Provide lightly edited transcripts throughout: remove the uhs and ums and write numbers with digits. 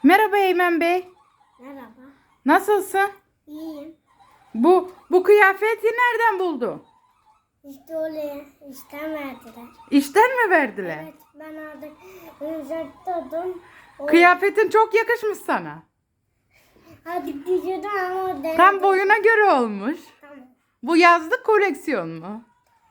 Merhaba Eymen Bey. Merhaba. Nasılsın? İyiyim. Bu kıyafeti nereden buldu? İşte oraya işten verdiler. İşten mi verdiler? Evet, ben artık uzaktaydım. Kıyafetin çok yakışmış sana. Hadi düşürdüm ama denedim. Tam boyuna göre olmuş. Tamam. Bu yazlık koleksiyon mu?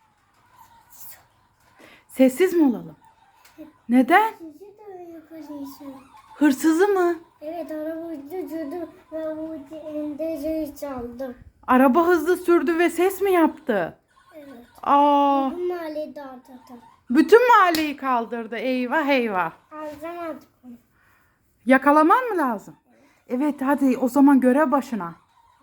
Sessiz mi olalım? Neden? Sizi de yapıyorsun. Hırsızı mı? Evet, arabayı düşürdüm ve bu elinde çaldım. Araba hızlı sürdü ve ses mi yaptı? Evet. Aa, Bu mahalleyi dağıttım. bütün mahalleyi kaldırdı. Eyvah eyvah. Harcamadık onu. Yakalaman mı lazım? Evet hadi o zaman görev başına.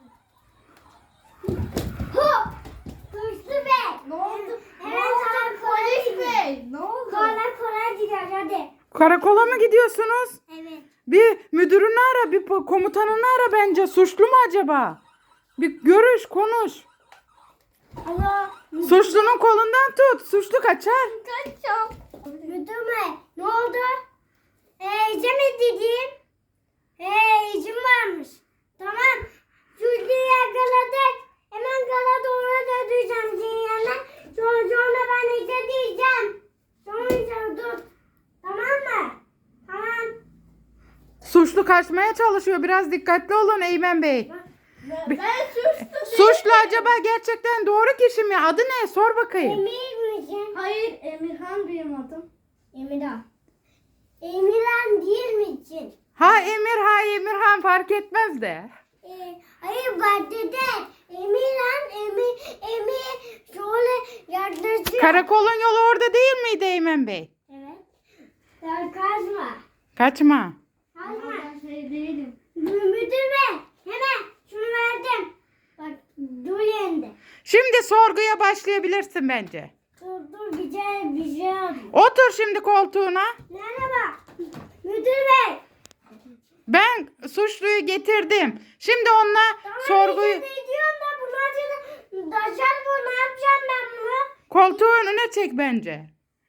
Hop! Hırslı Bey! Ne oldu? Hemen sana Polis bey. Ne oldu? Kola gidiyor hadi. Karakola mı gidiyorsunuz? Evet. Bir müdürünü ara, bir komutanını ara bence. Suçlu mu acaba? Bir görüş, konuş. Allah. Suçlunun kolundan tut. Suçlu kaçar. Kaçacağım. Müdür bey, ne oldu? İzin mi dedim? İzin varmış. Tamam. Suçluyu yakaladık. Hemen kala doğru döneceğim senin yanına. Sonra ben izin diyeceğim. Sonra dur. Tamam mı? Tamam. Suçlu kaçmaya çalışıyor. Biraz dikkatli olun Eymen Bey. Ben suçlu Suçlu acaba gerçekten doğru kişi mi? Adı ne? Sor bakayım. Emir misin? Hayır, Emirhan benim adım. Emirhan. Emirhan değil misin? Ha Emir, ha Emirhan fark etmez de. Hayır bak dede. Emir şöyle yaklaşıyor. Karakolun yolu orada değil miydi Eymen Bey? Evet. Sen kaçma. Kaçma. Kaçma. Ben şey değilim. Müdür bey hemen şunu verdim. Bak dur yerinde. Şimdi sorguya başlayabilirsin bence. Dur bir şey alayım. Otur şimdi koltuğuna. Merhaba. Müdür bey. Ben suçluyu getirdim. Şimdi onunla sorguyu... Ne diyorum da bunu acaba daşar bu ne yapacağım ben bunu? Koltuğu önüne çek bence.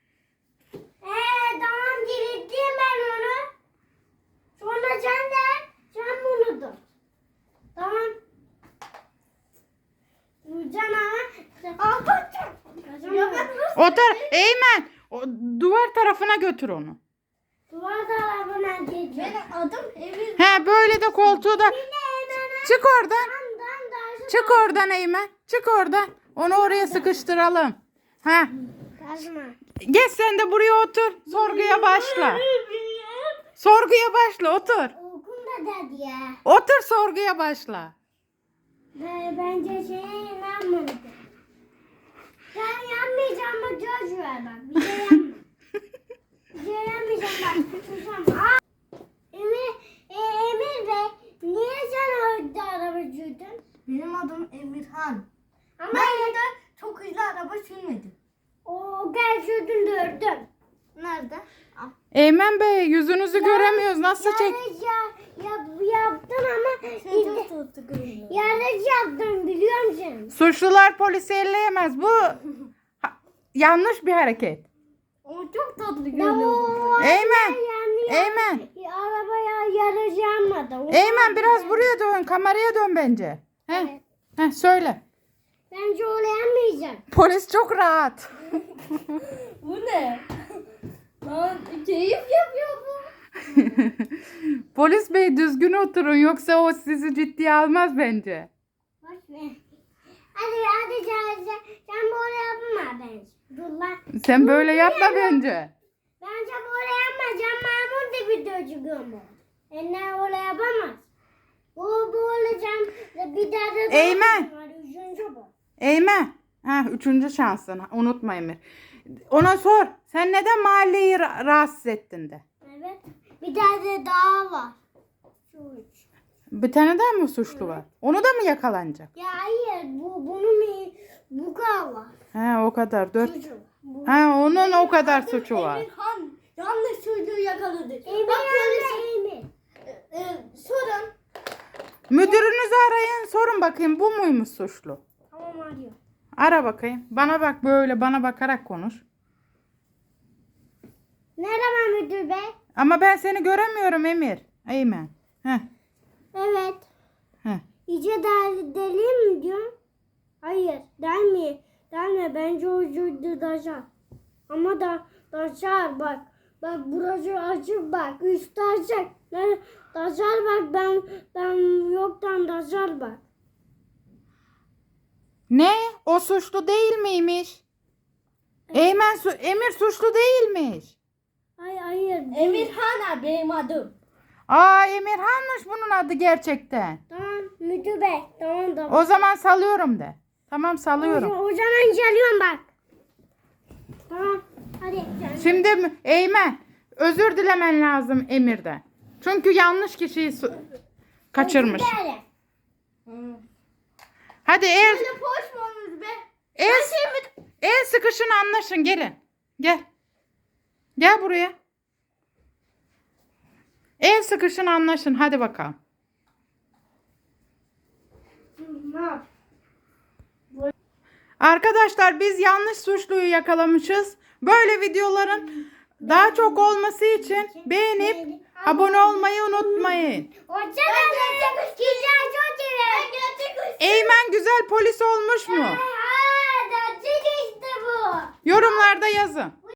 Tamam dirilttim ben onu. Sonra sen bunu dur. Tamam. Can ama. Ya ben nasıl? Otur. Eymen. Duvar tarafına götür onu. Duvar tarafına geçeceğim. Benim adım Emir. He böyle de koltuğu da... Çık oradan. Damdan Çık oradan Eymen. Çık oradan. Onu oraya sıkıştıralım. Ha. Kazma. Geç sen de buraya otur. Sorguya başla. Sorguya başla otur. Okul da dedi ya. Otur sorguya başla. Bence inanmadı. Ben yanmayacağım ama göz ver bak. Bir şey yanma. Bir şey yanmayacağım bak. Susam. Emir Bey. Niye sen orada araba sürdün? Benim adım Emirhan. Ama Ben de çok hızlı araba sürmedim. o gel sürdün dördüm. Nerede? Ah. Eymen Bey yüzünüzü göremiyoruz. Nasıl çek? Yaptın ama Çok tuttu kızım. yarış yaptın biliyor musun? Suçlular polisi elleyemez. Bu yanlış bir hareket. O çok tatlı Ya görünüyor. Eymen. Yani Eymen. arabaya yarış yapmadı. Eymen biraz buraya dön. Kameraya dön bence. Heh. Evet. Heh, söyle. Bence öyle yanmayacak. Polis çok rahat. Bu ne? Lan keyif yapıyor bu. Polis bey düzgün oturun yoksa o sizi ciddiye almaz bence. Boş ver. Hadi sen böyle yapma bence. Dur lan. Sen böyle yapma bence. Bence böyle yapma. Can Mahmut da bir dövüyor mu? Enler öyle yapamaz. Bu böyle bir daha da Eymen. var. Üçüncü bu. Eymen. Ha, üçüncü şansın. Unutma Emir. Ona sor. Sen neden mahalleyi rahatsız ettin de? Evet. Bir tane daha var. Şu üç. Bir tane daha mı suçlu var? Onu da mı yakalanacak? Ya hayır. Bu kadar var. He o kadar. Dört. Çocuğu. Bu. Ha onun o kadar suçu var. Emirhan. Yanlış çocuğu yakaladık. Emir Bak anne Emir. sorun. Müdürünüzü arayın. Sorun bakayım bu muymuş suçlu? Tamam arıyor. Ara bakayım. Bana bak böyle bana bakarak konuş. Merhaba müdür bey. Ama ben seni göremiyorum Emir. Eymen. Heh. Evet. Heh. İyice deliyim mi diyorum? Hayır. Delme. Delme. Bence ucuydu dacar. Ama dacar bak. Bak burası açık bak. Üstü açık. Dacar bak. Ben yoktan dacar bak. Ne? O suçlu değil miymiş? Emir suçlu değilmiş. Hayır. Emirhan abi benim adım. Aa, Emirhan'mış bunun adı gerçekten. Tamam müdür bey. Tamam. O zaman salıyorum de. Tamam, salıyorum. O zaman geliyorum bak. Tamam. Hadi. Şimdi Eymen, özür dilemen lazım Emir'den. Çünkü yanlış kişiyi kaçırmış. Hadi Böyle boş mu olmuş be? el sıkışın, anlaşın, gelin. Gel. Gel buraya. El sıkışın, anlaşın, hadi bakalım. Ne yap? Arkadaşlar, biz yanlış suçluyu yakalamışız. Böyle videoların daha çok olması için beğenip abone olmayı unutmayın. Hoşçakalın. Güzel çok iyi. Eymen güzel polis olmuş mu? Gerçek işte bu. Yorumlarda yazın.